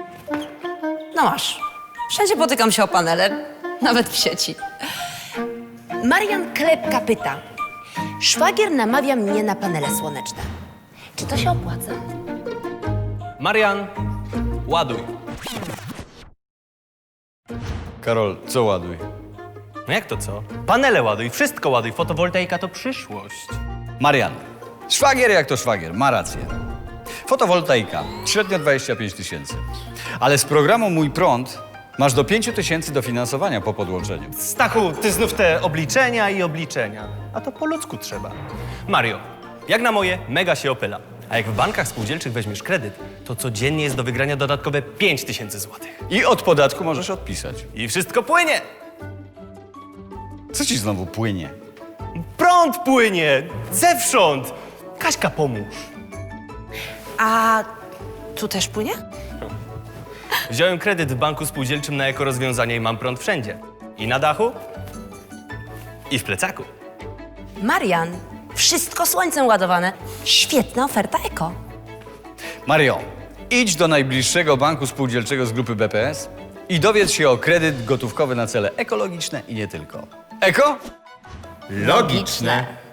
No masz. Wszędzie potykam się o panele, nawet w sieci. Marian Klepka pyta. Szwagier namawia mnie na panele słoneczne. Czy to się opłaca? Marian, ładuj. Karol, co ładuj? No jak to co? Panele ładuj, wszystko ładuj. Fotowoltaika to przyszłość. Marian, szwagier jak to szwagier, ma rację. Fotowoltaika, średnio 25 000. Ale z programu Mój Prąd masz do 5 000 dofinansowania po podłączeniu. Stachu, ty znów te obliczenia i obliczenia. A to po ludzku trzeba. Mario, jak na moje, mega się opyla. A jak w bankach spółdzielczych weźmiesz kredyt, to codziennie jest do wygrania dodatkowe 5000 złotych. I od podatku możesz odpisać. I wszystko płynie. Co ci znowu płynie? Prąd płynie, zewsząd. Kaśka, pomóż. A tu też płynie? Wziąłem kredyt w banku spółdzielczym na ekorozwiązanie i mam prąd wszędzie. I na dachu, i w plecaku. Marian, wszystko słońcem ładowane. Świetna oferta eko. Mario, idź do najbliższego banku spółdzielczego z grupy BPS i dowiedz się o kredyt gotówkowy na cele ekologiczne i nie tylko. Eko? Logiczne.